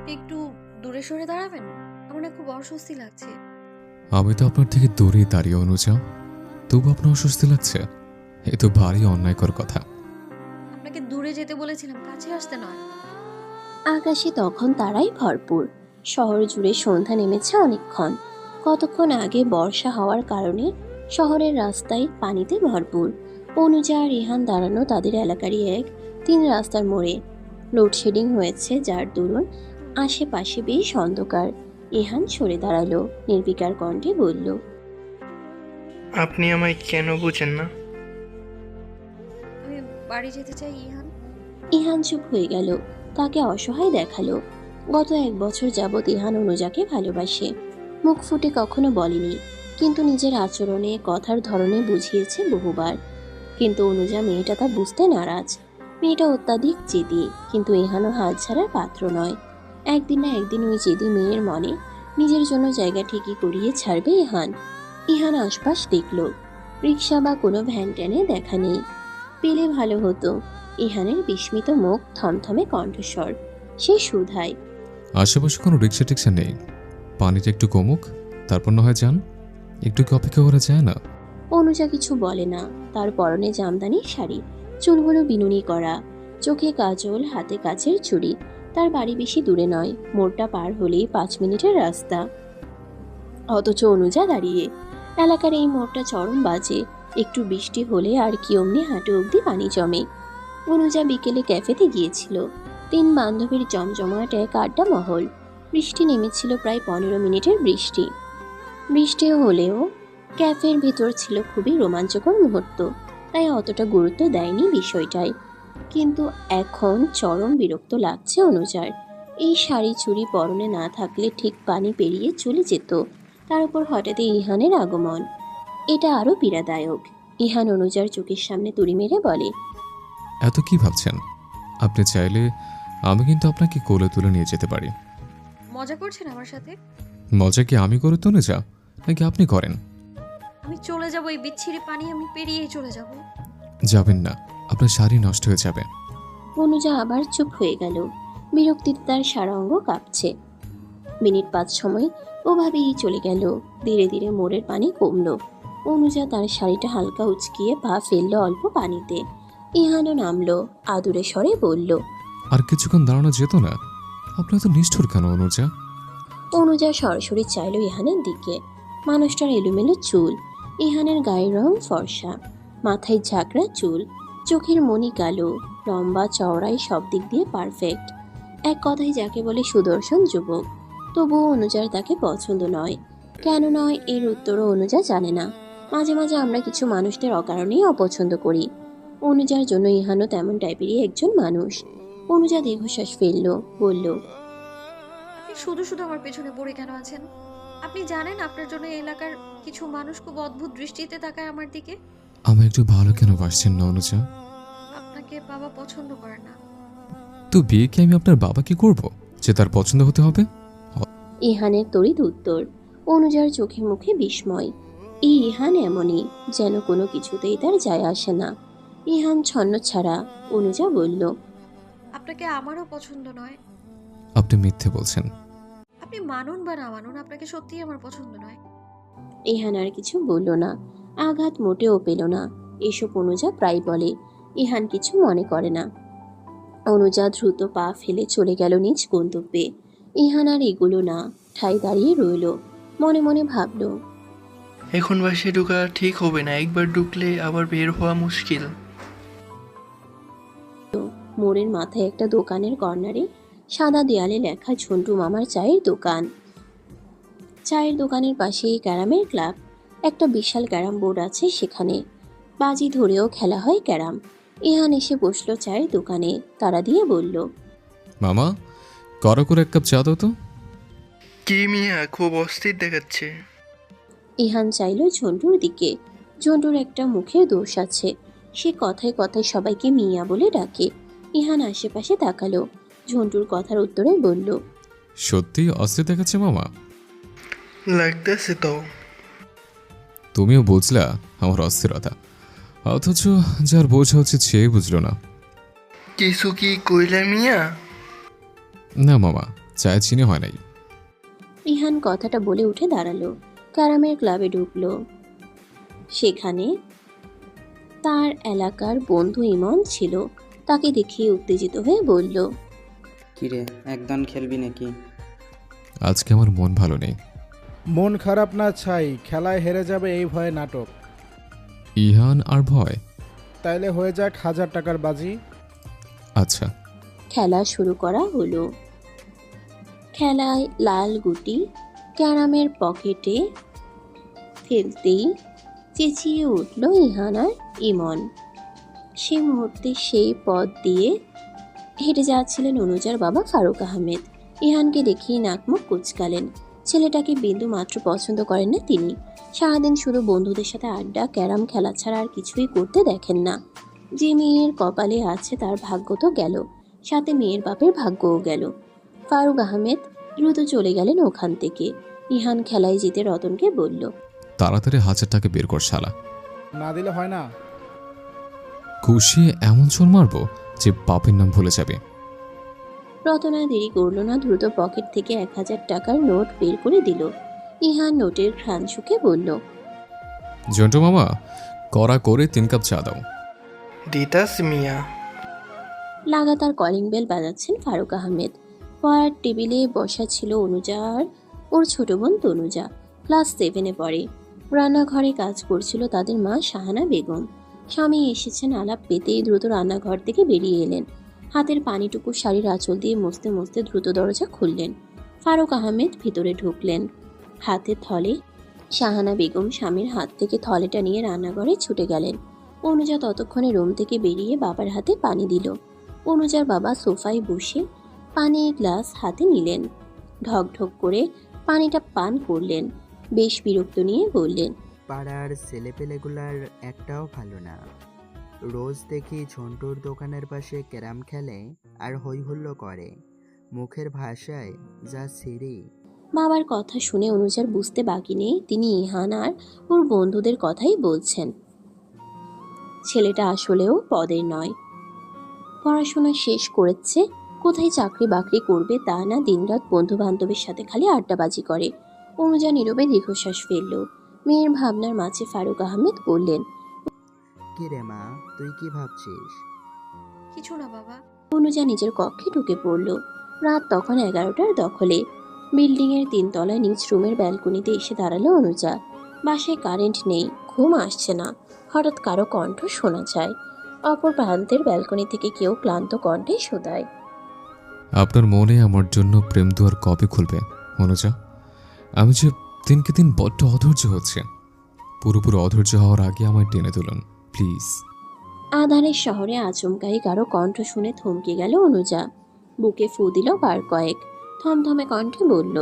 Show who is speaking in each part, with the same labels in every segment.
Speaker 1: আপনি একটু দূরে সরে দাঁড়াবেন? আমার না খুব অস্বস্তি লাগছে।
Speaker 2: আমি তো আপনার থেকে দূরে দাঁড়িয়ে অনুজা, তবু আপনার অস্বস্তি লাগছে? এ তো ভারী অন্যায়কর কথা।
Speaker 1: আপনাকে দূরে যেতে বলেছিলাম, কাছে আসতে নয়।
Speaker 3: আকাশে তখন তারাই ভরপুর। শহর জুড়ে সন্ধ্যা নেমেছে অনেকক্ষণ। কতক্ষণ আগে বর্ষা হওয়ার কারণে শহরের রাস্তায় পানিতে ভরপুর। অনুজা আর রিহান দাঁড়ানো তাদের এলাকারই এক 3 রাস্তার মোড়ে। লোডশেডিং হয়েছে, যার দরুন আশেপাশে বেশ অন্ধকার। ইহান সরে দাঁড়ালো, নির্বিকার কণ্ঠে বলল,
Speaker 4: আপনি আমায় কেন বুঝেন না?
Speaker 1: আমি বাড়ি যেতে চাই ইহান।
Speaker 3: ইহান চুপ হয়ে গেল, তাকে অসহায় দেখালো। গত 1 বছর যাবৎ ইহান অনুজাকে ভালোবাসে। মুখ ফুটে কখনো বলেনি, কিন্তু নিজের আচরণে, কথার ধরনে বুঝিয়েছে বহুবার। কিন্তু অনুজা মেয়েটা তা বুঝতে নারাজ। মেয়েটা অত্যাধিক জেদি, কিন্তু ইহানও হাল ছাড়ার পাত্র নয়। একদিন না একদিন ওই জেদি মেয়ের মনে নিজের জন্য জায়গা ঠিকই করিয়ে ছাড়বে ইহান। ইহান আশপাশ দেখল, রিক্সা বা কোনো ভ্যান ট্যানে দেখা নেই। পেলে ভালো হতো। ইহানের বিস্মিত মুখ, থমথমে কণ্ঠস্বর, সে শুধায়,
Speaker 2: আশেপাশে কোনো রিক্সা টিক্সা নেই? পানিটা একটু কমুক, তারপর না হয় যান। একটু কি অপেক্ষা করা যায় না?
Speaker 3: অনুজা কিছু বলে না। তার পরনে জামদানি শাড়ি, চুলগুলো বিনুনি করা, চোখে কাজল, হাতে কাচের চুড়ি। তার বাড়ি বেশি দূরে নয়, মোড়টা পার হলেই 5 মিনিটের রাস্তা। অথচ অনুজা দাঁড়িয়ে। এলাকার এই মোড়টা চরম বাজে। একটু বৃষ্টি হলে আর কি অমনি হাঁটু অবধি পানি জমে। অনুজা বিকেলে ক্যাফেতে গিয়েছিল। 3 বান্ধবীর জমজমাট এক আড্ডা মহল। বৃষ্টি নেমেছিল, প্রায় 15 মিনিটের বৃষ্টি। বৃষ্টি হলেও ক্যাফের ভিতর ছিল খুবই রোমাঞ্চকর মুহূর্ত, তাই অতটা গুরুত্ব দেয়নি বিষয়টায়। কিন্তু এখন চরম বিরক্ত লাগছে অনুজার। এই শাড়ি চুড়ি পরনে না থাকলে ঠিক পানি পেরিয়ে চলে যেত। তার উপর হঠাৎই ইহানের আগমন, এটা আরো পীড়াদায়ক। ইহান অনুজার চোখের সামনে তুড়ি মেরে বলে,
Speaker 2: এত কি ভাবছেন? আপনি চাইলে আমি কিন্তু আপনাকে কোলে তুলে নিয়ে যেতে পারি।
Speaker 1: মজা করছেন আমার সাথে?
Speaker 2: মজা কি আমি করে তুলে যা, নাকি আপনি করেন?
Speaker 1: আমি চলে যাব, এই বিচ্ছিরি পানি আমি পেরিয়েই চলে যাব।
Speaker 2: যাবেন না, আপনার শাড়ি নষ্ট হয়ে যাবে।
Speaker 3: অনুজা আবার চুপ হয়ে গেল। বিরক্তিতে তার সারা অঙ্গ কাঁপছে। মিনিট 5 সময় ওভাবেই চলে গেল। ধীরে ধীরে মোড়ের পানি কমলো। অনুজা তার শাড়িটা হালকা উচকিয়ে পা ফেললো অল্প পানিতে। ইহানও নামলো, আদুরে স্বরে বলল,
Speaker 2: আর কিছুক্ষণ দাঁড়ানো যেত না? আপনি তো নিষ্ঠুর কেন অনুজা?
Speaker 3: অনুজা সরাসরি চাইল ইহানের দিকে। মানুষটার এলোমেলো চুল, ইহানের গায়ের রং ফর্সা, মাথায় ঝাঁকড়া চুল, চোখের মনি কালো, লম্বা চওড়াই, সব দিক দিয়ে পারফেক্ট। এক কথায় যাকে বলে সুদর্শন যুবক। তবুও অনুজার তাকে পছন্দ নয়। কেন নয়, এর উত্তরও অনুজা জানে না। মাঝে মাঝে আমরা কিছু মানুষদের অকারণেই অপছন্দ করি। অনুজার জন্য ইহানও তেমন টাইপেরই একজন মানুষ। অনুজা দীর্ঘশ্বাস ফেলল, বলল,
Speaker 1: আপনি শুধু শুধু আমার পেছনে পড়ে কেন আছেন? আপনি জানেন আপনার জন্য এই এলাকার কিছু মানুষ খুব অদ্ভুত দৃষ্টিতে তাকায় আমার দিকে।
Speaker 2: আমি একটু ভালো কেন বাসছেন না অনুজা?
Speaker 1: আপনাকে বাবা পছন্দ করে না।
Speaker 2: তো বিয়ে কি আমি আপনার বাবাকে করব যে তার পছন্দ হতে হবে?
Speaker 3: ইহানের তড়িৎ উত্তর। অনুজার চোখে মুখে বিস্ময়। এই ইহান এমনই, যেন কোনো কিছুতেই তার যায় আসে না। ইহান ছন্ন ছাড়া। অনুজা বলল,
Speaker 1: আপনাকে আমারও পছন্দ নয়।
Speaker 2: আপনি মিথ্যে বলছেন।
Speaker 1: আপনি মানুন বা না মানুন, আপনাকে সত্যিই আমার পছন্দ নয়।
Speaker 3: ইহান আর কিছু বলল না। আঘাত মোটেও পেল না। এসব অনুজা প্রায় বলে। ইহান কিছু মনে করে না। অনুজা দ্রুত পা ফেলে চলে গেল নিজ গন্তব্যে। ইহান আর এগুলো না, ঠাই দাঁড়িয়ে রইল। মনে মনে ভাবল,
Speaker 4: এখন বাসে ঢোকা ঠিক হবে না, একবার ঢুকলে আবার বের হওয়া মুশকিল।
Speaker 3: মোড়ের মাথায় একটা দোকানের কর্নারে সাদা দেয়ালে লেখা ঝন্টু মামার চায়ের দোকান। চায়ের দোকানের পাশেই ক্যারামের ক্লাব। একটা বিশাল ক্যারাম বোর্ড আছে সেখানে। বাজি ধরেও খেলা হয় ক্যারাম। ইহান এসে বসলো চায়ের দোকানে, তারা দিয়ে বলল,
Speaker 2: মামা, করো করে এক কাপ চা দাও তো।
Speaker 4: কি মিয়া, খুব অস্থির দেখাচ্ছে।
Speaker 3: ইহান চাইল ঝন্টুর দিকে। ঝন্টুর একটা মুখের দোষ আছে, সে কথায় কথায় সবাইকে মিয়া বলে ডাকে। ইহান আশেপাশে তাকালো, ঝন্টুর কথার উত্তরে বলল,
Speaker 2: সত্যি অস্থির দেখাচ্ছে মামা?
Speaker 4: লাগতেছে তো।
Speaker 2: তুমিও বুঝলা আমার অস্থিরতা, অথচ যার বোঝা উচিত সে বুঝলো না।
Speaker 4: কিছু কি কইলা মিয়া?
Speaker 2: না মামা, চায়ে চিনি হয় নাই।
Speaker 3: ইহান কথাটা বলে উঠে দাঁড়ালো, ক্যারামের ক্লাবে ঢুকলো। সেখানে তার এলাকার বন্ধু ইমন ছিল। তাকে দেখিয়ে উত্তেজিত হয়ে বলল,
Speaker 5: কিরে, একদম খেলবি নাকি?
Speaker 2: আজকে আমার মন ভালো নেই।
Speaker 6: মন খারাপ না ছাই, খেলায় হেরে যাবে এই ভয়ে নাটক।
Speaker 2: ইহান আর ভয়?
Speaker 6: তাইলে হয়ে যাক 1000 টাকার বাজি।
Speaker 2: আচ্ছা।
Speaker 3: খেলা শুরু করা হলো। খেলায় লাল গুটি ক্যারামের পকেটে ফেলতেই চেঁচিয়ে উঠল ইহান আর ইমন। সে মুহূর্তে সেই পথ দিয়ে হেঁটে যাচ্ছিলেন অনুজার বাবা ফারুক আহমেদ। ইহানকে দেখেই নাকমুখ কুচকালেন। ছেলেটাকে বিন্দু মাত্র পছন্দ করেন না তিনি। সারাদিন শুধু বন্ধুদের সাথে আড্ডা, ক্যারাম খেলা ছাড়া আর কিছুই করতে দেখেন না। যে মেয়ের কপালে আছে তার ভাগ্য তো গেল, সাথে মেয়ের বাপের ভাগ্যও গেল। ফারুক আহমেদ দ্রুত চলে গেলেন ওখান থেকে। ইহান খেলায় জিতে রতনকে বলল,
Speaker 2: তাড়াতাড়ি 1000 টাকা বের কর শালা।
Speaker 6: না দিলে হয় না।
Speaker 2: খুশি এমন চোর মারবো যে বাপের নাম ভুলে যাবে।
Speaker 3: রতন আর দেরি করল না, দ্রুত পকেট থেকে 1000 টাকার নোট বের করে দিল। ইহান নোটের ঘ্রাণ শুকে বলল,
Speaker 2: জন্টু মামা, কড়া করে 3 কাপ চা দাও।
Speaker 4: দিতাস মিয়া।
Speaker 3: লাগাতার কলিং বেল বাজাচ্ছেন ফারুক আহমেদ। পড়ার টেবিলে বসা ছিল অনুজা আর ওর ছোট বোন তনুজা, ক্লাস 7-এ পড়ে। রান্নাঘরে কাজ করছিল তাদের মা শাহানা বেগম। স্বামী এসেছেন আলাপ পেতেই দ্রুত রান্নাঘর থেকে বেরিয়ে এলেন। হাতের পানিটুকু শাড়ির আঁচল দিয়ে মুছতে মুছতে দ্রুত দরজা খুললেন। ফারুক আহমেদ ভিতরে ঢুকলেন। হাতে থলে। শাহানা বেগম স্বামীর হাত থেকে থলেটা নিয়ে রান্নাঘরে ছুটে গেলেন। অনুজা ততক্ষণে রুম থেকে বেরিয়ে বাবার হাতে পানি দিল। অনুজার বাবা সোফায় বসে পানির গ্লাস হাতে নিলেন। ঢক ঢক করে পানিটা পান করলেন। বেশ বিরক্ত নিয়ে বললেন,
Speaker 7: পাড়ার ছেলেপেলেগুলার একটাও ভালো না। রোজ দেখি ঝন্টুর দোকানের পাশে ক্যারাম খেলে আর হই হুল্লো করে। মুখের ভাষায় যা ছিরি।
Speaker 3: বাবার কথা শুনে অনুজার বুঝতে বাকি নেই তিনি ইহান আর ওর বন্ধুদের কথাই বলছেন। ছেলেটা আসলেও পদের নয়। পড়াশোনা শেষ করেছে, কোথায় চাকরি বাকরি করবে তা না, দিনরাত বন্ধু বান্ধবের সাথে খালি আড্ডাবাজি করে। অনুজা নীরবে দীর্ঘশ্বাস ফেলল। মেয়ের ভাবনার মাঝে ফারুক আহমেদ বললেন,
Speaker 7: কি রে মা, তুই কি ভাবছিস?
Speaker 1: কিছু না বাবা।
Speaker 3: অনুজা নিজের কক্ষে ঢুকে পড়ল। রাত তখন 11টার দখলে। বিল্ডিংয়ের 3 তলায় নিজ রুমের ব্যালকনিতে এসে দাঁড়ালো অনুজা। বাসায় কারেন্ট নেই, ঘুম আসছে না। হঠাৎ কারো কণ্ঠ শোনা যায়। অপর প্রান্তের ব্যালকনি থেকে কেউ ক্লান্ত কণ্ঠে শোধায়,
Speaker 2: আপনার মনে আমার জন্য প্রেম দুয়ার কবে খুলবে অনুজা? আমি যে দিনকে দিন বড্ড অধৈর্য হচ্ছে। পুরোপুরি অধৈর্য হওয়ার আগে আমায় টেনে তুলুন প্লিজ।
Speaker 3: আধারের শহরে আচমকাই কারো কণ্ঠ শুনে থমকে গেল অনুজা। বুকে ফু দিল বার কয়েক। থমথমে কণ্ঠে বলল,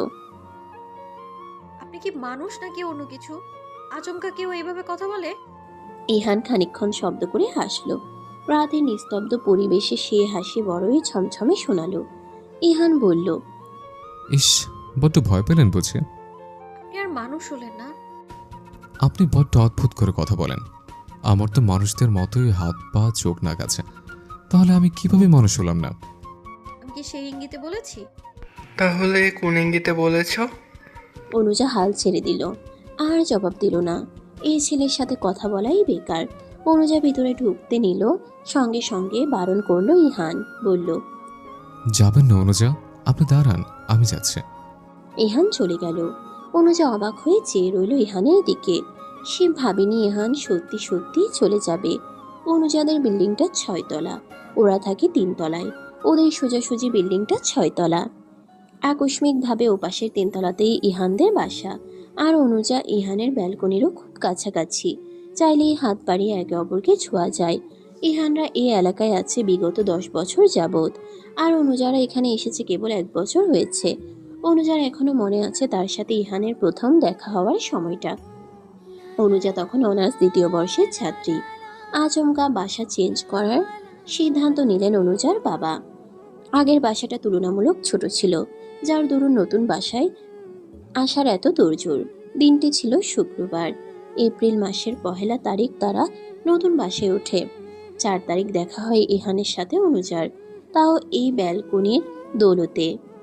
Speaker 1: আপনি কি মানুষ নাকি অন্য কিছু? আচমকা কেউ এইভাবে কথা বলে?
Speaker 3: ইহান খানিকক্ষণ শব্দ করে হাসল। রাতের নিস্তব্ধ পরিবেশে সে হাসি বড়ই ছমছমে শোনালো। ইহান বলল,
Speaker 2: ইস, বড্ড ভয় পেলেন বুঝে?
Speaker 1: আপনি আর মানুষ হলেন না।
Speaker 2: আপনি বড্ড অদ্ভুত করে কথা বলেন। আমার তো মানুষদের মতোই হাত পা চোখ নাক আছে, তাহলে আমি কিভাবে মানুষ হলাম না?
Speaker 1: আমি কি সেই ইঙ্গিতে বলেছি?
Speaker 4: তাহলে কোন ইঙ্গিতে বলেছ?
Speaker 3: অনুজা হাল ছেড়ে দিল। আর জবাব দিল না। এই ছেলের সাথে কথা বলাই বেকার। অনুজা ভিতরে ঢুকতে নিল, সঙ্গে সঙ্গে বারণ করলো ইহান। বলল,
Speaker 2: যাবেন না অনুজা, আপনি দাঁড়ান, আমি যাচ্ছি।
Speaker 3: ইহান চলে গেল। অনুজা অবাক হয়ে চেয়ে রইল ইহানের দিকে। সে ভাবেনি ইহান সত্যি সত্যি চলে যাবে। অনুজাদের বিল্ডিংটা 6 তলা, ওরা থাকে 3 তলায়। ওদের সোজাসুজি বিল্ডিংটা 6 তলা। আকস্মিকভাবে ওপাশের 3 তলাতেই ইহানদের বাসা। আর অনুজা ইহানের ব্যালকনিরও খুব কাছাকাছি। চাইলেই হাত বাড়িয়ে একে অপরকে ছোঁয়া যায়। ইহানরা এই এলাকায় আছে বিগত 10 বছর যাবৎ। আর অনুজারা এখানে এসেছে কেবল 1 বছর হয়েছে। অনুজার এখনো মনে আছে তার সাথে ইহানের প্রথম দেখা হওয়ার সময়টা। অনুজা তখন অনার্স 2য় বর্ষের ছাত্রী। আচমকা বাসা চেঞ্জ করার সিদ্ধান্ত নিলেন অনুজার বাবা। আগের বাসাটা তুলনামূলক ছোট ছিল, যার দরুন নতুন বাসায় আসার এত তোড়জোড়। দিনটি ছিল শুক্রবার। এপ্রিল মাসের 1 তারিখ তারা নতুন বাসায় ওঠে। 4 তারিখ দেখা হয় ইহানের সাথে অনুজার, তাও এই ব্যালকনির দৌলতে।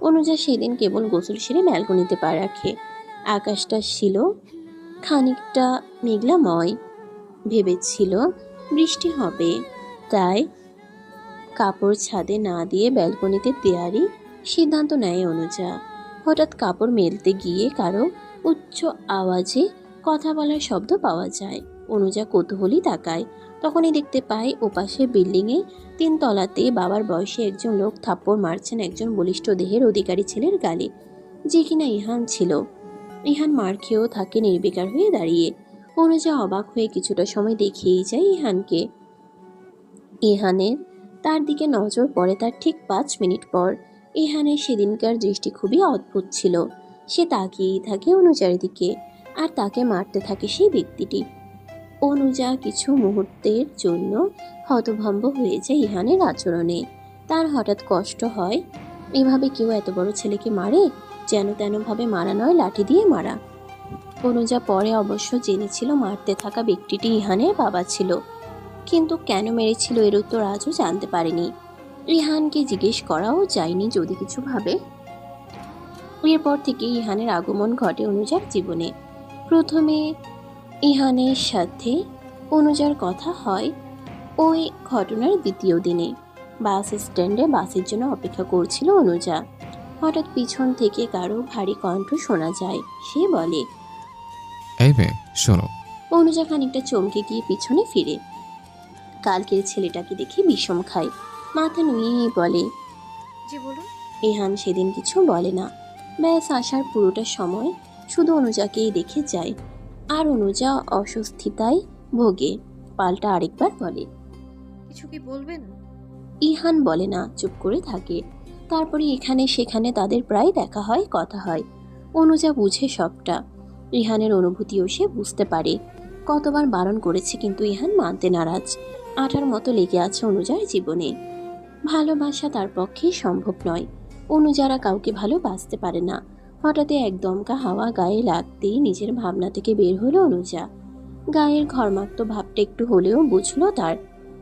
Speaker 3: অনুজা সেদিন কেবল গোসল সেরে ব্যালকনিতে পা রাখে। আকাশটা ছিল খানিকটা মেঘলাময়। ভেবেছিল বৃষ্টি হবে, তাই কাপড় ছাদে না দিয়ে ব্যালকনিতে দেয়ারই সিদ্ধান্ত নেয় অনুজা। হঠাৎ কাপড় মেলতে গিয়ে কারো উচ্চ আওয়াজে কথা বলার শব্দ পাওয়া যায়। অনুজা কৌতূহলী তাকায়, তখনই দেখতে পায় ওপাশে বিল্ডিংয়ে 3 তলাতে বাবার বয়সী একজন লোক থাপ্পড় মারছেন একজন বলিষ্ঠ দেহের অধিকারী ছেলের গালে, যে কিনা ইহান ছিল। ইহান মার খেয়েও থাকে নির্বিকার হয়ে দাঁড়িয়ে। অনুজা অবাক হয়ে কিছুটা সময় দেখিয়েই যায় ইহানকে। ইহানের তার দিকে নজর পড়ে তার ঠিক 5 মিনিট পর। ইহানের সেদিনকার দৃষ্টি খুবই অদ্ভুত ছিল। সে তাকিয়েই থাকে অনুজার দিকে, আর তাকে মারতে থাকে সেই ব্যক্তিটি। অনুজা কিছু মুহূর্তের জন্য হতভম্ব হয়ে যায় ইহানের আচরণে। তার হঠাৎ কষ্ট হয়, এভাবে কেউ এত বড় ছেলেকে মারে? যেন তেনভাবে মারা নয়, লাঠি দিয়ে মারা। অনুজা পরে অবশ্য জেনেছিল মারতে থাকা ব্যক্তিটি ইহানের বাবা ছিল, কিন্তু কেন মেরেছিল এর উত্তর আজও জানতে পারেনি। ইহানকে জিজ্ঞেস করাও যায়নি যদি কিছু ভাবে। এরপর থেকে ইহানের আগমন ঘটে অনুজার জীবনে। প্রথমে ইহানের সাথে অনুজার কথা হয় ওই ঘটনার দ্বিতীয় দিনে। বাস স্ট্যান্ডে বাসের জন্য অপেক্ষা করছিল অনুজা। হঠাৎ পিছন থেকে কারো ভারী কণ্ঠ শোনা যায়। সে বলে,
Speaker 2: এই মেয়ে শোনো।
Speaker 3: অনুজা খানিকটা চমকে গিয়ে পিছনে ফিরে। কালকের ছেলেটাকে দেখে বিষম খায়, মাথা নুয়েই বলে,
Speaker 1: জি বলুন।
Speaker 3: ইহান সেদিন কিছু বলে না। ব্যাস আসার পুরোটা সময় শুধু অনুজাকেই দেখে যায়, আর অনুজা অস্বস্তিতায় ভোগে। পাল্টা আরেকবার বলে,
Speaker 1: কিছু কি বলবেন?
Speaker 3: ইহান বলে না, চুপ করে থাকে। তারপরে এখানে সেখানে তাদের প্রায় দেখা হয়, কথা হয়। অনুজা বুঝে সবটা। ইহানের অনুভূতিও সে বুঝতে পারে। কতবার বারণ করেছে, কিন্তু ইহান মানতে নারাজ। আঠার মতো লেগে আছে অনুজার জীবনে। ভালোবাসা তার পক্ষে সম্ভব নয়। অনুজারা কাউকে ভালোবাসতে পারে না। হঠাৎ এক দমকা হাওয়া গায়ে লাগতেই নিজের ভাবনা থেকে বের হলো অনুজা। গায়ের ঘর্মাক্ত ভাবটা একটু হলেও বুঝলো তার।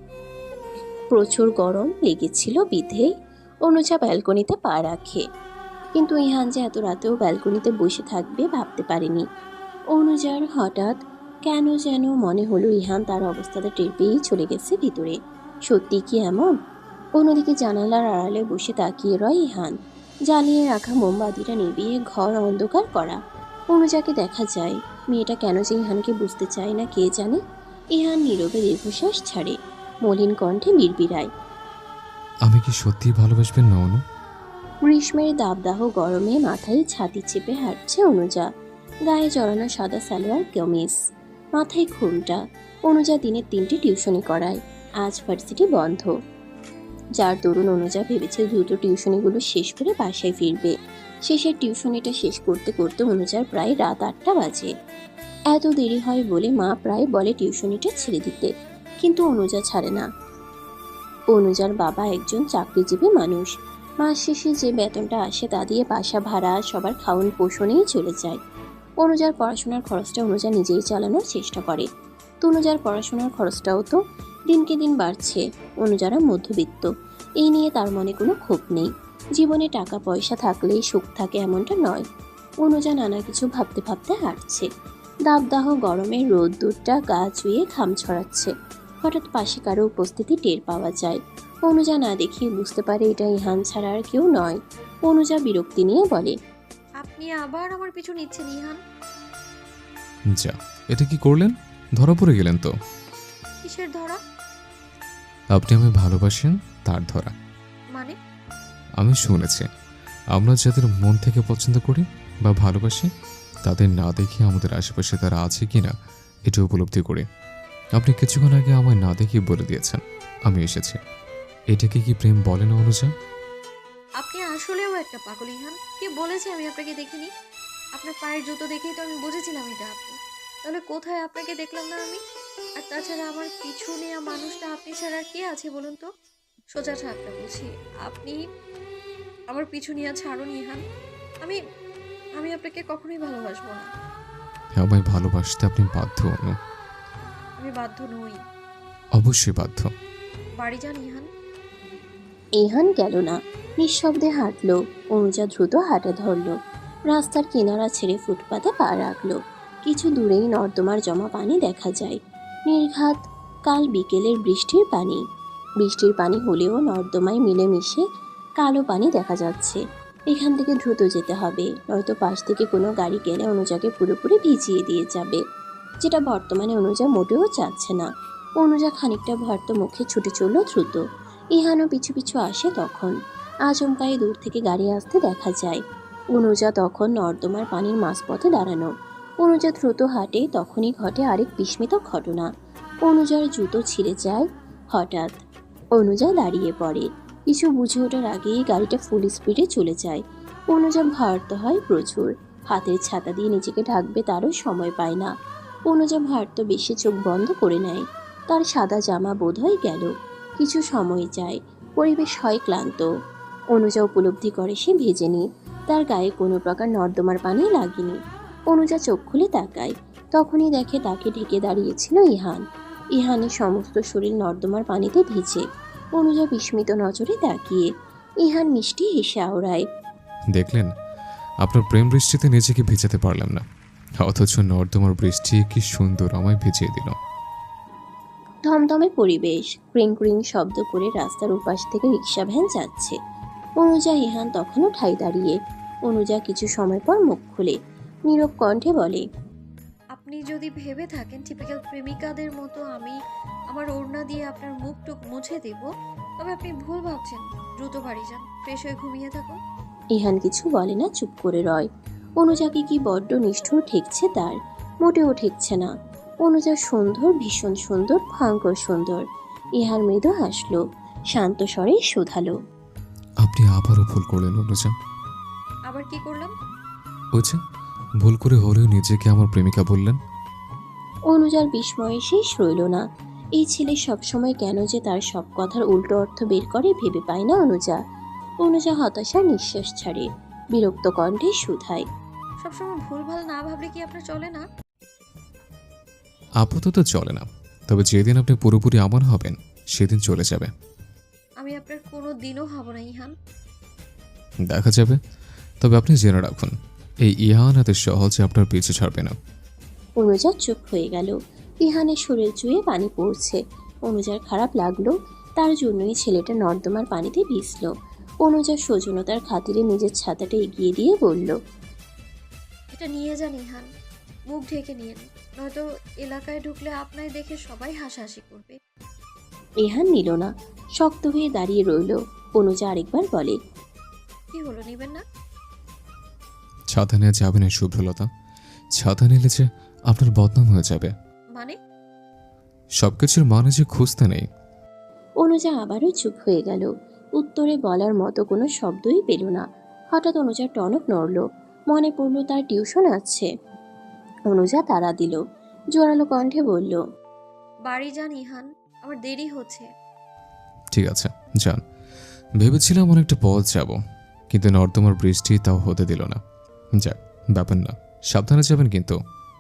Speaker 3: প্রচুর গরম লেগেছিল বিধে অনুজা ব্যালকনিতে পা রাখে, কিন্তু ইহান যে এত রাতেও ব্যালকনিতে বসে থাকবে ভাবতে পারেনি। অনুজার হঠাৎ কেন যেন মনে হলো ইহান তার অবস্থাটা টের পেয়েই চলে গেছে ভিতরে। সত্যি কি এমন? অন্যদিকে জানালার আড়ালে বসে তাকিয়ে রয় ইহান। জ্বালিয়ে রাখা মোমবাতিটা নিভিয়ে ঘর অন্ধকার করা। অনুজাকে দেখা যায়। মেয়েটা কেন যে ইহানকে বুঝতে চায় না কে জানে। ইহান নীরবে দীর্ঘশ্বাস ছাড়ে, মলিন কণ্ঠে বিড়বিড়ায়,
Speaker 2: আমি কি সত্যিই ভালোবাসবেন না অনু?
Speaker 3: গ্রীষ্মের দাবদাহ গরমে মাথায় ছাতি চেপে হাঁটছে অনুজা। গায়ে জড়ানো সাদা সালোয়ার কামিজ, মাথায় ঘোমটা। অনুজা দিনে 3টি টিউশনি করায়। আজ ভার্সিটি বন্ধ, যার দরুন অনুজা ভেবেছে দ্রুত টিউশনিগুলো শেষ করে বাসায় ফিরবে। শেষের টিউশনিটা শেষ করতে করতে অনুজার প্রায় রাত 8টা বাজে। এত দেরি হয় বলে মা প্রায় বলে টিউশনিটা ছেড়ে দিতে, কিন্তু অনুজা ছাড়ে না। অনুজার বাবা একজন চাকরিজীবী মানুষ। মাস শেষে যে বেতনটা আসে তা দিয়ে বাসা ভাড়া, সবার খাওয়ান পোষণেই চলে যায়। অনুজার পড়াশোনার খরচটা অনুজা নিজেই চালানোর চেষ্টা করে। তনুজার পড়াশোনার খরচটাও তো দিনকে দিন বাড়ছে। অনুজারা মধ্যবিত্ত, এই নিয়ে তার মনে কোনো ক্ষোভ নেই। জীবনে টাকা পয়সা থাকলেই সুখ থাকে এমনটা নয়। অনুজা নানা কিছু ভাবতে ভাবতে হাঁটছে। দাবদাহ গরমের রোদ্দুরটা গা চুইয়ে ঘাম ছড়াচ্ছে। হঠাৎ পাশে কারো উপস্থিতি টের পাওয়া যায়। অনুজা না দেখিয়ে বুঝতে পারে এটা ইহান ছাড়া আর কেউ নয়। অনুজা বিরক্তি নিয়ে বলে,
Speaker 1: আপনি আবার আমার পিছু নিচ্ছেন ইহান।
Speaker 2: যা, এটা কি করলেন? ধরা পড়ে গেলেন তো।
Speaker 1: কিসের ধরা?
Speaker 2: আপনি আমায় ভালোবাসেন তার ধরা।
Speaker 1: মানে?
Speaker 2: আমি শুনেছি আমরা যাদের মন থেকে পছন্দ করি বা ভালোবাসি, তাদের না দেখে আমাদের আশেপাশে তারা আছে কিনা এটা উপলব্ধি করি। আপনি কিছুক্ষণ আগে আমায় না দেখে বলে দিয়েছেন আমি এসেছি। এটাকে কি প্রেম বলে না অনুজা?
Speaker 1: আপনি আসলেও একটা পাগল ইহান। কে বলেছে আমি আপনাকে দেখিনি? আপনার পায়ের জুতো দেখেই তো আমি বুঝেছিলাম এটা আপনি। তাহলে কোথায় আপনাকে দেখলাম না আমি? আর তাছাড়া আমার পিছু নেওয়া মানুষটা আপনি ছাড়া আর কে আছে বলুন তো? সোজা ঠাকটা বুঝি আপনি আমার পিছু নিয়ে ছাড়ুন ইহান। আমি আমি আপনাকে কখনোই ভালোবাসবো না।
Speaker 2: আমায় ভালোবাসতে আপনি বাধ্য অনু।
Speaker 1: আমি বাধ্য নই।
Speaker 2: অবশ্যই বাধ্য।
Speaker 1: বাড়ি যান ইহান।
Speaker 3: ইহান গেল না। নিঃশব্দে হাঁটলো। অনুজা দ্রুত হাঁটা ধরলো। রাস্তার কিনারা ছেড়ে ফুটপাতে পা রাখলো। কিছু দূরেই নর্দমার জমা পানি দেখা যায়। নির্ঘাত কাল বিকেলের বৃষ্টির পানি। বৃষ্টির পানি হলেও নর্দমায় মিলেমিশে কালো পানি দেখা যাচ্ছে। এখান থেকে দ্রুত যেতে হবে, নয়তো পাশ থেকে কোনো গাড়ি গেলে অনুজাকে পুরোপুরি ভিজিয়ে দিয়ে যাবে, যেটা বর্তমানে অনুজা মোটেও চাচ্ছে না। অনুজা খানিকটা ভর্ত মুখে ছুটে চলল দ্রুত। ইহানও পিছু পিছু আসে। তখন আচমকাই দূর থেকে গাড়ি আসতে দেখা যায়। অনুজা তখন নর্দমার পানির মাঝপথে দাঁড়ানো। অনুজা দ্রুত হাঁটে, তখনই ঘটে আরেক বিস্মিত ঘটনা। অনুজার জুতো ছিঁড়ে যায় হঠাৎ। অনুজা দাঁড়িয়ে পড়ে। কিছু বুঝে ওঠার আগেই গাড়িটা ফুল স্পিডে চলে যায়। অনুজা ভারত হয় প্রচুর। হাতের ছাতা দিয়ে নিজেকে ঢাকবে তারও সময় পায় না। অনুজা ভারত বেশি চোখ বন্ধ করে নেয়। তার সাদা জামা বোধ হয় গেল। কিছু সময় যায়, পরিবেশ হয় ক্লান্ত। অনুজা উপলব্ধি করে সে ভেজেনি, তার গায়ে কোনো প্রকার নর্দমার পানি লাগেনি। অনুজা চোখ খুলে তাকায়, তখনই দেখে তাকে ঢেকে দাঁড়িয়েছিল ইহান। ইহানের সমস্ত শরীর নর্দমার পানিতে ভিজে। অনুজা বিস্মিত নজরে তাকিয়ে। ইহান মিষ্টি হেসে আওড়ায়।
Speaker 2: দেখলেন, আপনার প্রেম বৃষ্টিতে নিজেকে ভিজাতে পারলাম না, অথচ নর্দমার বৃষ্টি কি সুন্দর আমায় ভিজিয়ে দিল।
Speaker 3: ধমধমে পরিবেশ। ক্রিং ক্রিং শব্দ করে রাস্তার উপাস থেকে রিক্সা ভ্যান যাচ্ছে। অনুজা ইহান তখনও ঠাই দাঁড়িয়ে। অনুজা কিছু সময় পর মুখ খুলে নীরব কণ্ঠে বলে,
Speaker 1: আপনি যদি ভেবে থাকেন টিপিক্যাল প্রেমিকাদের মতো আমি আমার ওড়না দিয়ে আপনার মুখটুক মুছে দেব, তবে আপনি ভুল ভাবছেন। দ্রুত বাড়ি যান, ফ্রেশ হয়ে ঘুমিয়ে থাকুন।
Speaker 3: ইহান কিছু বলে না, চুপ করে রয়। অনুজাকে কি বড্ড নিষ্ঠুর ঠেকছে তার। মোটেও ঠেকছে না। অনুজা সুন্দর, ভীষণ সুন্দর, ভয়ঙ্কর সুন্দর। ইহান মৃদু হাসলো, শান্ত স্বরে শুধালো,
Speaker 2: আপনি আবারও ভুল করলেন অনুজা।
Speaker 1: আবার কি করলাম?
Speaker 2: ওই যে, ভুল করে হলেও নিজেকে আমার প্রেমিকা বললেন।
Speaker 3: অনুজার বিস্ময়ে শেষ রইল না। এই ছেলে সবসময় কেন যে তার সব কথার উল্টো অর্থ বের করে ভেবে পায় না অনুজা। অনুজা হতাশার নিঃশ্বাস ছাড়ে, বিরক্ত কণ্ঠে শুধায়,
Speaker 1: সবসময় ভুলভাল না ভাবলে কি আপনার চলে না?
Speaker 2: আপাতত চলে না, তবে যেদিন আপনি পুরোপুরি আমার হবেন সেদিন চলে যাবে।
Speaker 1: আমি আপনার কোনো দিনও হব না ইহান।
Speaker 2: দেখা যাবে। তবে আপনি জেনে রাখুন, এই ইহান এত সহজে আপনার পিছু ছাড়বে না।
Speaker 3: অনুজা চুপ হয়ে গেল। ইহানের শরীর চুয়ে পানি পড়ছে। অনুজার খারাপ লাগলো, তার জন্যই ছেলেটা নর্দমার পানিতে ভিজল। অনুজা সৌজন্যতার খাতিরে নিজের ছাতাটা এগিয়ে দিয়ে বলল,
Speaker 1: এটা নিয়ে যান ইহান, মুখ ঢেকে নিন, নয়তো এলাকায় ঢুকলে আপনায় দেখে সবাই হাসাহাসি করবে।
Speaker 3: ইহান নিল না, শক্ত হয়ে দাঁড়িয়ে রইল। অনুজা আরেকবার বলে,
Speaker 1: কি হলো, নিবেন না?
Speaker 2: ছাতা নিয়ে যাবেন না শুভ্রলতা। ছাতা নিলে যে আপনার বদনাম হয়ে যাবে।
Speaker 1: মানে?
Speaker 2: সবকিছুর মানে যে খুঁজতে নেই।
Speaker 3: অনুজা আবারও চুপ হয়ে গেল। উত্তরে বলার মতো কোনো শব্দই পেল না। হঠাৎ অনুজার টনক নড়ল। মনে পড়ল তার টিউশন আছে। অনুজা তাড়া দিল, জোরালো কণ্ঠে বলল,
Speaker 1: বাড়ি যান ইহান, আমার দেরি হচ্ছে।
Speaker 2: ঠিক আছে, যান। ভেবেছিলাম অনেকটা পথ যাব, কিন্তু নর্দমার বৃষ্টি তাও হতে দিল না। যাক, ব্যাপার না, সাবধানে যাবেন কিন্তু।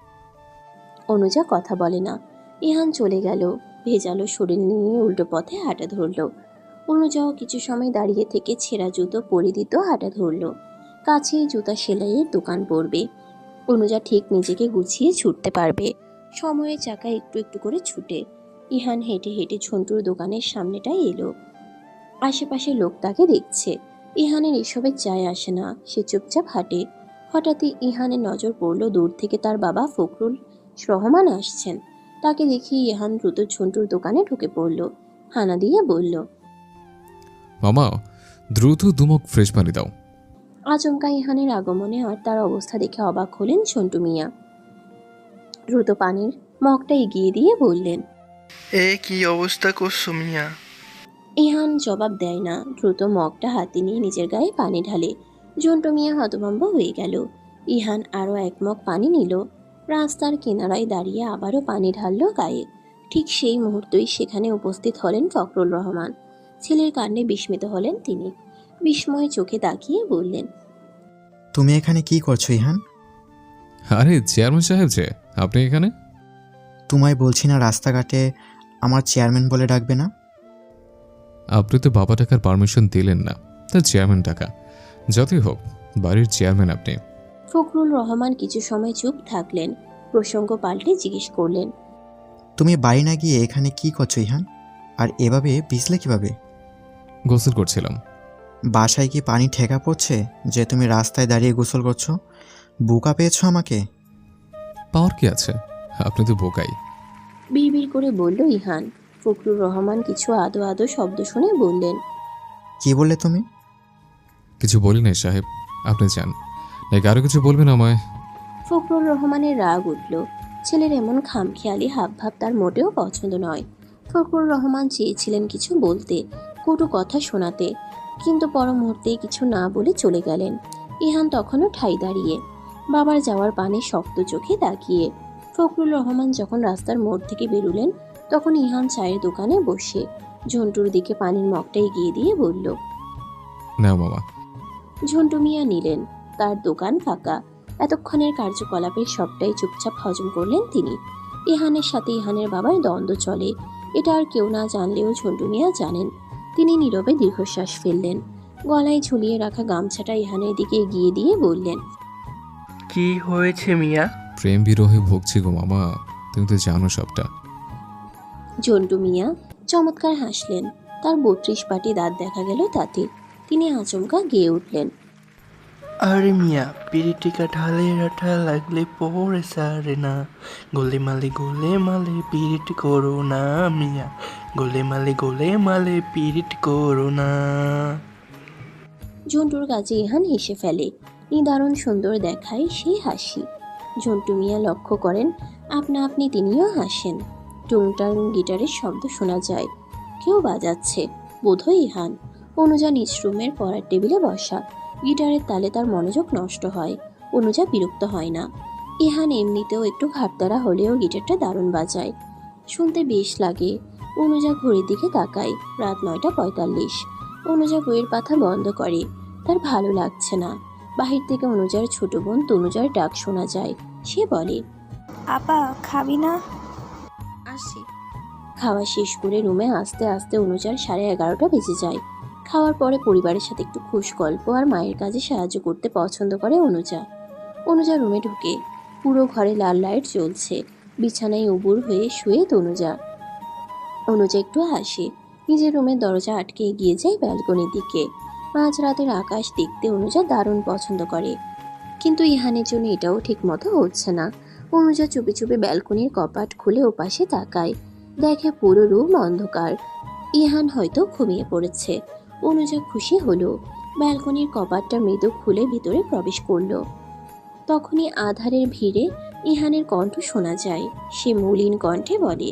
Speaker 3: অনুজা কথা বলে না। ইহান চলে গেল। ভেজালো শরীর নিয়ে উল্টো পথে হাঁটা ধরল। অনুজাও কিছু সময় দাঁড়িয়ে থেকে ছেঁড়া জুতো পরিদিত হাঁটা ধরল। কাছেই জুতা সেলাইয়ের দোকান পড়বে। অনুজা ঠিক নিজেকে গুছিয়ে ছুটতে পারবে। সময়ের চাকা একটু একটু করে ছুটে ইহান হেঁটে হেঁটে ঝন্টুর দোকানের সামনেটাই এলো। আশেপাশে লোক তাকে দেখছে। ইহানের এসবের যায় আসে না, সে চুপচাপ হাঁটে। হঠাৎই ইহানের নজর পড়ল দূর থেকে তার বাবা ফখরুল রহমান আসছেন। তাকে দেখে ইহান দ্রুত ঝন্টুর দোকানে ঢুকে পড়ল। হানা দিয়ে বলল,
Speaker 2: মামা, দ্রুত দুমক ফ্রেশ পানি দাও।
Speaker 3: আচমকা ইহানের আগমনে আর তার অবস্থা দেখে অবাক হলেন ঝন্টু মিয়া। দ্রুত পানির মগটা এগিয়ে দিয়ে বললেন,
Speaker 4: এ কি অবস্থা করছো মিয়া?
Speaker 3: ইহান জবাব দেয় না, দ্রুত মগটা হাতে নিয়ে নিজের গায়ে পানি ঢালে। ঝন্টু মিয়া হতভম্ব হয়ে গেল। ইহান আরও এক মগ পানি নিল। রাস্তার কিনারায় দাঁড়িয়ে আবারও পানি ঢালল গায়ে। ঠিক সেই মুহূর্তেই সেখানে উপস্থিত হলেন ফখরুল রহমান। ছেলের কাণ্ডে বিস্মিত হলেন তিনি। বিস্ময়ে চোখে তাকিয়ে বললেন,
Speaker 8: তুমি এখানে কি করছো ইহান?
Speaker 2: আরে চেয়ারম্যান সাহেব যে, আপনি এখানে?
Speaker 8: তোমায় বলছি না রাস্তাঘাটে আমার চেয়ারম্যান বলে ডাকবে না?
Speaker 2: আপনি তো বাবা টাকার পারমিশন দিলেন না, তার চেয়ারম্যান টাকা। যতই হোক, বাড়ির চেয়ারম্যান আপনি।
Speaker 3: ফখরুল রহমান কিছু সময় চুপ থাকলেন, প্রসঙ্গ পাল্টে জিজ্ঞেস করলেন,
Speaker 8: তুমি বাড়ি না গিয়ে এখানে কি করছো ইহান? আর এভাবে ভিজলে কিভাবে?
Speaker 2: গোসল করছিলাম।
Speaker 8: বাসায় কি পানি ঠেকা পড়ছে যে তুমি রাস্তায় দাঁড়িয়ে গোসল করছো? বোকা পেয়েছো আমাকে?
Speaker 2: পাওয়ার কি আছে, আপনি তো বোকাই।
Speaker 3: বিড়বিড় করে বলল ইহান। ফখরুল রহমান কিছু আদো আদো শব্দ শুনে বললেন,
Speaker 8: কি বললে তুমি?
Speaker 2: কিছু বলি নাই সাহেব, আপনি যান। নাকি আরো কিছু বলবেন আমায়?
Speaker 3: ফখরুল রহমানের রাগ উঠল। ছেলের এমন খামখেয়ালি হাবভাব তার মোটেও পছন্দ নয়। ফখরুল রহমান চেয়েছিলেন কিছু বলতে, কটু কথা শোনাতে, কিন্তু পর মুহূর্তে কিছু না বলে চলে গেলেন। ইহান তখনও ঠাই দাঁড়িয়ে, বাবার যাওয়ার পানে শক্ত চোখে তাকিয়ে। ফখরুল রহমান যখন রাস্তার মোড় থেকে বেরুলেন, তখন ইহান চায়ের দোকানে বসে ঝন্টুর দিকে পানির মগটা এগিয়ে দিয়ে বলল।
Speaker 2: না মামা।
Speaker 3: ঝন্টু মিয়া নিলেন। তার দোকান ফাঁকা। এতক্ষণের কার্যকলাপের সবটাই চুপচাপ হজম করলেন তিনি। ইহানের সাথে ইহানের বাবার দ্বন্দ্ব চলে, এটা আর কেউ না জানলেও ঝন্টু মিয়া জানেন। তিনি নীরবে দীর্ঘশ্বাস ফেললেন। গলায় ঝুলিয়ে রাখা গামছাটা ইহানের দিকে এগিয়ে দিয়ে বললেন,
Speaker 4: কি হয়েছে মিয়া?
Speaker 2: প্রেম বিরহে ভুগছি গো মামা, তুমি তো জানো সবটা।
Speaker 3: ঝন্টু মিয়া চমৎকার হাসলেন। তার 32 পাটি দাঁত দেখা গেল তাতে। তিনি আচমকা গেয়ে উঠলেন,
Speaker 4: আরে মিয়া, পিরিটিকা ঢালে রাঠা লাগলে পরে সারে না। গোলে মালে পিরিট করো না মিয়া, গোলে মালে পিরিট করো না।
Speaker 3: ঝন্টুর কাছে ইহান হেসে ফেলে। নিদারুণ সুন্দর দেখায় সেই হাসি। ঝন্টু মিয়া লক্ষ্য করেন, আপনা আপনি তিনিও হাসেন। টুংটাং গিটারের শব্দ শোনা যায়। কেউ বাজাচ্ছে, বোধহয় ইহান। অনুজা নিজ রুমের পড়ার টেবিলে বসা। গিটারের তালে তার মনোযোগ নষ্ট হয়। অনুজা বিরক্ত হয় না। ইহান এমনিতেও একটু ঘাটতারা হলেও গিটারটা দারুণ বাজায়, শুনতে বেশ লাগে। অনুজা ঘড়ির দিকে তাকায়, রাত 9:45। অনুজা বইয়ের পাতা বন্ধ করে। তার ভালো লাগছে না। বাহির থেকে অনুজার ছোট বোন তনুজার ডাক শোনা যায়। সে বলে,
Speaker 9: আপা খাবি না?
Speaker 1: আসছি।
Speaker 3: খাওয়া শেষ করে রুমে আস্তে আস্তে অনুজার 11:30 বেজে যায়। খাওয়ার পরে পরিবারের সাথে একটু খুশ গল্প আর মায়ের কাজে সাহায্য করতে পছন্দ করে অনুজা। অনুজা রুমে ঢুকে। পুরো ঘরে লাল লাইট জ্বলছে। বিছানায় উবুর হয়ে শুয়ে তনুজা। অনুজা একটু হাসে। নিজের রুমের দরজা আটকে এগিয়ে যায় ব্যালকনির দিকে। মাঝরাতের আকাশ দেখতে অনুজা দারুণ পছন্দ করে, কিন্তু ইহানের জন্য এটাও ঠিক মতো হচ্ছে না। অনুজা চুপি চুপি ব্যালকনির কপাট খুলে ওপাশে তাকায়। দেখে পুরো রুম অন্ধকার। ইহান হয়তো ঘুমিয়ে পড়েছে। অনুজা খুশি হলো। ব্যালকনির কপাটটা মৃদু খুলে ভিতরে প্রবেশ করলো। তখনই আধারের ভিড়ে ইহানের কণ্ঠ শোনা যায়। সে মলিন কণ্ঠে বলে,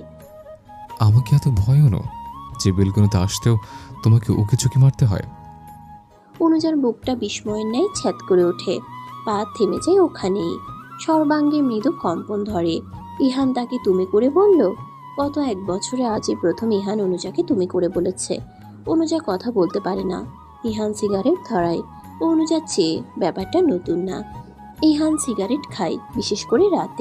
Speaker 2: আমাকে এত ভয়ও নো যে বেলকনিতে আসতেও তোমাকে উকি চুকি মারতে হয়।
Speaker 3: অনুজার বুকটা বিস্ময়ের ন্যায় ছ্যাদ করে ওঠে। পা থেমে যায় ওখানেই। সর্বাঙ্গে মৃদু কম্পন ধরে। ইহান তাকে তুমি করে বলল। গত 1 বছরে আজই প্রথম ইহান অনুজাকে তুমি করে বলেছে। অনুজা কথা বলতে পারে না। ইহান সিগারেট ধরায়। অনুজা চেয়ে, ব্যাপারটা নতুন না। ইহান সিগারেট খায়, বিশেষ করে রাতে।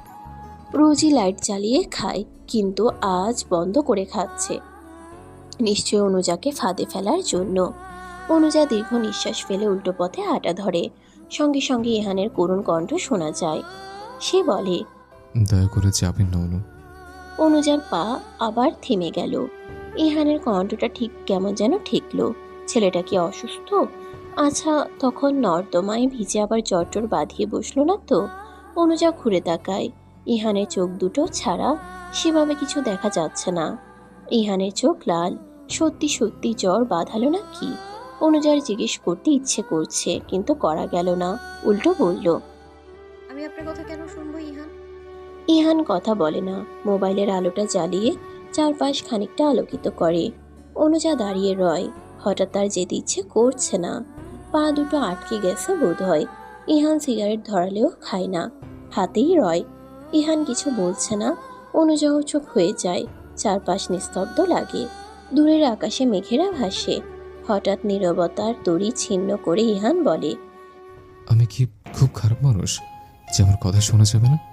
Speaker 3: রোজই লাইট জ্বালিয়ে খায়, কিন্তু আজ বন্ধ করে খাচ্ছে। নিশ্চয় অনুজাকে ফাঁদে ফেলার জন্য। অনুজা দীর্ঘ নিঃশ্বাস ফেলে উল্টো পথে হাঁটা ধরে। সঙ্গে সঙ্গে ইহানের করুণ কণ্ঠ শোনা যায়। সে বলে,
Speaker 2: দয়া করে যাবেন না অনু।
Speaker 3: অনুজার পা আবার থেমে গেল। ইহানের কণ্ঠটা ঠিক কেমন যেন ঠেকলো। ছেলেটা কি অসুস্থ? আচ্ছা, তখন নর্দমায় ভিজে আবার জটর বাঁধিয়ে বসলো না তো? অনুজা ঘুরে তাকায়। ইহানের চোখ দুটো ছাড়া সেভাবে কিছু দেখা যাচ্ছে না। ইহানের চোখ লাল। সত্যি সত্যি জ্বর বাঁধালো না কি? অনুজার জিজ্ঞেস করতে ইচ্ছে করছে, কিন্তু করা গেল না। উল্টো বলল,
Speaker 1: আমি আপনার কথা কেন শুনবো ইহান?
Speaker 3: ইহান কথা বলে না। মোবাইলের আলোটা জ্বালিয়ে চারপাশ খানিকটা আলোকিত করে। অনুজা দাঁড়িয়ে রয়। হঠাৎ তার যেতে ইচ্ছে করছে না। পা দুটো আটকে গেছে বোধ হয়। ইহান সিগারেট ধরালেও খায় না, হাতেই রয়। ইহান কিছু বলছে না। অনুজাও চোখ হয়ে যায়। চারপাশ নিস্তব্ধ লাগে। দূরের আকাশে মেঘেরা ভাসে। হঠাৎ নীরবতার তরি ছিন্ন করে ইহান বলে,
Speaker 2: আমি কি খুব খারাপ মানুষ যে আমার কথা শোনা যাবে না?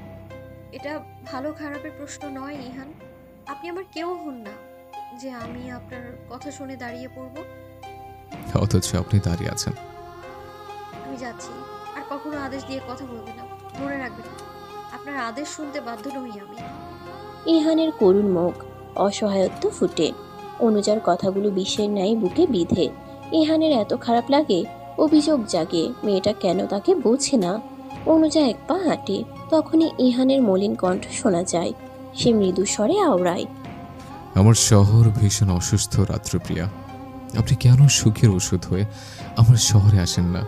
Speaker 1: এটা ভালো খারাপের প্রশ্ন নয় ইহান। আপনি আমার কেউ হন না যে আমি আপনার কথা শুনে দাঁড়িয়ে পড়ব।
Speaker 2: অথচ আপনি দাঁড়িয়ে আছেন।
Speaker 1: আমি যাচ্ছি। আর কখনো আদেশ দিয়ে কথা বলবেন না, ধরে রাখবেন। আপনার আদেশ শুনতে বাধ্য নই আমি।
Speaker 3: ইহানের করুণ মুখ, অসহায়ত্ব ফুটে। অনুজার কথাগুলো বিষের ন্যায় বুকে বিঁধে। ইহানের এত খারাপ লাগে, অভিযোগ জাগে মেয়েটা কেন তাকে বোঝে না। অনুজা এক পা হাঁটে, তখনই ইহানের মলিন কণ্ঠ শোনা যায়। সে মৃদু স্বরে আওড়ায়,
Speaker 2: আমার শহর ভীষণ অসুস্থ রাত্রিপ্রিয়া। আপনি কেন সুখের ওষুধ হয়ে আমার শহরে আসেন না?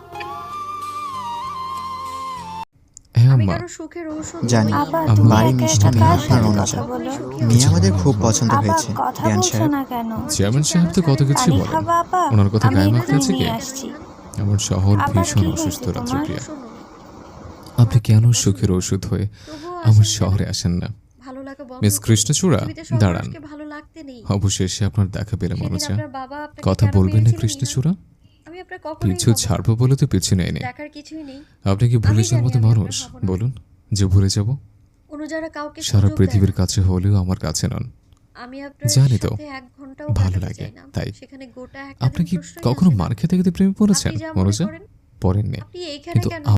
Speaker 2: হ্যাঁ
Speaker 1: আমি
Speaker 2: আম্মা,
Speaker 1: কারো সুখের ঔষধ
Speaker 8: জানি।
Speaker 1: নই।
Speaker 9: আপা
Speaker 2: আমার
Speaker 9: তুমি
Speaker 8: বাড়ির
Speaker 9: একা
Speaker 8: মিষ্টি
Speaker 9: একা
Speaker 8: মেয়ে
Speaker 9: কার
Speaker 8: আপনার
Speaker 9: সাথে
Speaker 8: অনুজা।
Speaker 9: কথা বলো?
Speaker 8: মেয়ে আমাদের খুব পছন্দ
Speaker 9: আপা
Speaker 8: হয়েছে।
Speaker 9: কথা
Speaker 8: জ্ঞান
Speaker 9: বলছো
Speaker 8: সাহেব,
Speaker 9: না কেন?
Speaker 2: চেয়ারম্যান সাহেব তো কত কিছু
Speaker 9: পানি
Speaker 2: বলেন।
Speaker 9: খাবা আপা?
Speaker 2: ওনার কথা
Speaker 9: আমি
Speaker 2: গায়ে
Speaker 9: এক্ষুনি
Speaker 2: মাখতে আছে কি?
Speaker 9: নিয়ে আসছি।
Speaker 2: আমার শহর
Speaker 9: আপা,
Speaker 2: ভীষণ
Speaker 9: কি
Speaker 2: অসুস্থ
Speaker 9: হয়েছে তোমার?
Speaker 2: রাত্রিপ্রিয়া।
Speaker 1: শুনুন,
Speaker 2: আপনি কেন সুখের ওষুধ হয়ে
Speaker 1: তবুও
Speaker 2: আমার
Speaker 1: আসেন
Speaker 2: শহরে
Speaker 1: কেন?
Speaker 2: আসেন না?
Speaker 1: ভালো লাগা বন্ধ
Speaker 2: মিস
Speaker 1: করুন।
Speaker 2: কৃষ্ণচূড়া,
Speaker 1: পৃথিবীতে সব
Speaker 2: দাঁড়ান।
Speaker 1: মানুষকে ভালো লাগতে নেই।
Speaker 2: অবশেষে আপনার দেখা পেলাম
Speaker 1: সেদিন
Speaker 2: অনুজা।
Speaker 1: আপনার বাবা আপনাকে
Speaker 2: কথা
Speaker 1: কেন
Speaker 2: বলবেন না
Speaker 1: মেরেছিলেন,
Speaker 2: কৃষ্ণচূড়া?
Speaker 1: ইহান? আমি আপনার কখনোই
Speaker 2: পিছু
Speaker 1: হব না।
Speaker 2: ছাড়বো বলে তো পিছু নেয়নি।
Speaker 1: দেখার কিছুই নেই।
Speaker 2: আপনি কি ভুলে
Speaker 1: আমি
Speaker 2: যাওয়ার
Speaker 1: জানি
Speaker 2: মতো
Speaker 1: আমি আপনার
Speaker 2: মানুষ?
Speaker 1: হব না।
Speaker 2: বলুন যে ভুলে যাব?
Speaker 1: অনুযারা কাউকে
Speaker 2: সারা
Speaker 1: সুযোগ দেয়
Speaker 2: পৃথিবীর
Speaker 1: না।
Speaker 2: কাছে হলেও আমার কাছে নন।
Speaker 1: আমি আপনার
Speaker 2: জানি তো,
Speaker 1: সাথে 1 ঘন্টাও
Speaker 2: ভালো
Speaker 1: কাটাতে
Speaker 2: লাগে,
Speaker 1: চাই না।
Speaker 2: তাই।
Speaker 1: সেখানে গোটা একটা
Speaker 2: আপনি
Speaker 1: দিন
Speaker 2: কি
Speaker 1: প্রশ্নই
Speaker 2: কখনো
Speaker 1: আসে না।
Speaker 2: মার খেতে খেতে প্রেমে পড়েছেন
Speaker 1: আপনি যা মনে
Speaker 2: অনুজা?
Speaker 1: করেন।
Speaker 2: পড়েননি,
Speaker 1: আপনি এইখানে
Speaker 2: কিন্তু
Speaker 1: কেন?